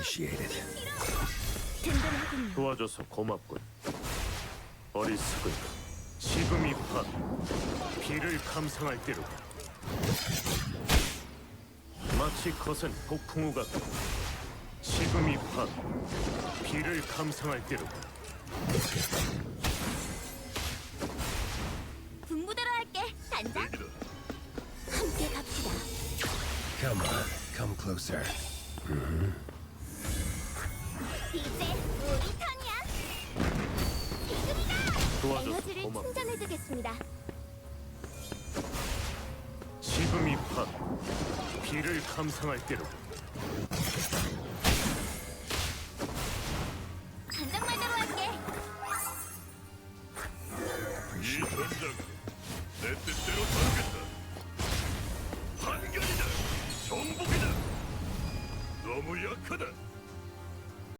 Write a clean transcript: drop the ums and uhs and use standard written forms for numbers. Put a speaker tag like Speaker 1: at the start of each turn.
Speaker 1: Appreciate it.
Speaker 2: 든든하군요.
Speaker 3: 도와줘서 고맙군. 어리석은 지금이 바 비를 감상할 때로다. 마치 거센 폭풍우 같다. 지금이 바 비를 감상할 때로다.
Speaker 2: 분부대로 할게. 단장. 함께 갑시다.
Speaker 1: Come on, come closer.
Speaker 2: 이제 우리 턴이야. 지금이다.
Speaker 3: 도와줘서
Speaker 2: 에너지를
Speaker 3: 고맙고.
Speaker 2: 충전해두겠습니다.
Speaker 3: 지금이 바 비를 감상할 때로다.
Speaker 2: 단장 말대로 할게.
Speaker 4: 이 전장 내 뜻대로 살겠다. 반격이다. 정복이다. 너무 약하다.